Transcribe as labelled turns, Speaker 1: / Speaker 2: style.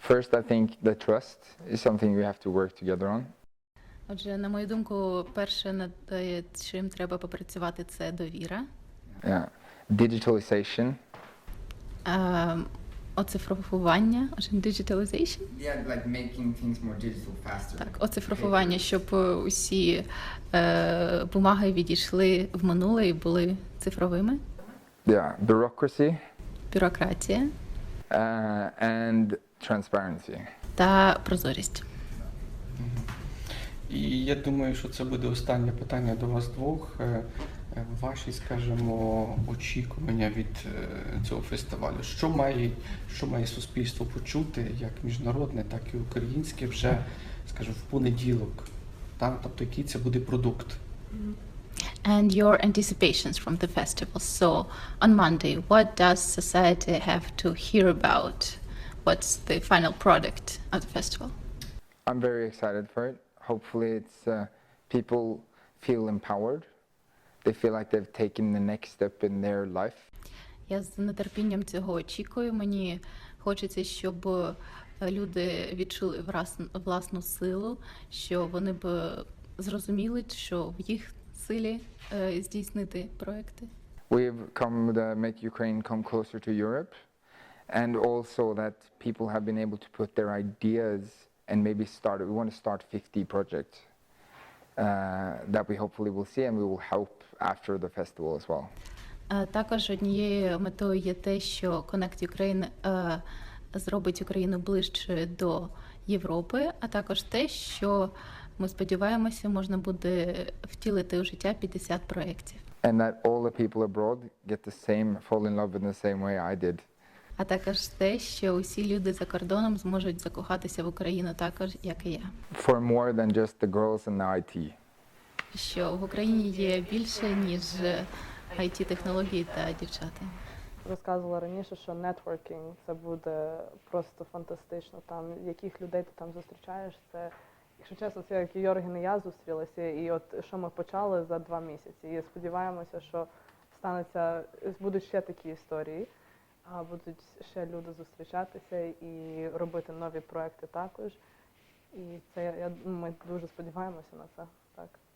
Speaker 1: First, I think the trust is something we have to work together on.
Speaker 2: Отже, на мою думку, перше, над чим треба попрацювати, це довіра.
Speaker 1: Yeah. Digitalization.
Speaker 2: Оцифровування, digitalization.
Speaker 3: Yeah, like making things more digital faster.
Speaker 2: Так, оцифровування, щоб усі бумаги відійшли в минуле і були цифровими.
Speaker 1: Yeah. Bureaucracy.
Speaker 2: Бюрократія.
Speaker 1: And transparency.
Speaker 2: Та прозорість.
Speaker 4: І я думаю, що це буде останнє питання до вас двох. Ваші, скажімо, очікування від цього фестивалю. Що має суспільство почути, як міжнародне, так і українське, вже, скажімо, в понеділок? Так? Тобто, який це буде продукт?
Speaker 2: And your anticipations from the festival. So, on Monday, what does society have to hear about? What's the final product of the festival?
Speaker 1: I'm very excited for it. Hopefully it's people feel empowered. They feel like they've taken the next step in their life.
Speaker 2: Я з нетерпінням цього очікую. Мені хочеться, щоб люди відчули власну силу, що вони б зрозуміли, що в їх силі здійснити проекти.
Speaker 1: We've come to make Ukraine come closer to Europe, and also that people have been able to put their ideas and maybe start. We want to start 50 projects that we hopefully will see, and we will help after the festival as well.
Speaker 2: Також однією метою є те, що Connect Ukraine зробить Україну ближче до Європи, а також те, що ми сподіваємося, можна буде втілити у життя 50 проєктів.
Speaker 1: And that all the people abroad get fall in love in the same way I did.
Speaker 2: А також те, що усі люди за кордоном зможуть закохатися в Україну також, як і я.
Speaker 1: For more than just the girls and the IT.
Speaker 2: Що в Україні є більше, ніж IT-технології та дівчата.
Speaker 5: Розказувала раніше, що нетворкінг – це буде просто фантастично. Там, яких людей ти там зустрічаєш, це, якщо чесно, це як Йорген і я зустрілися, і от що ми почали за 2 місяці. І сподіваємося, що будуть ще такі історії, будуть ще люди зустрічатися і робити нові проекти також. І це, ми дуже сподіваємося на це. Так.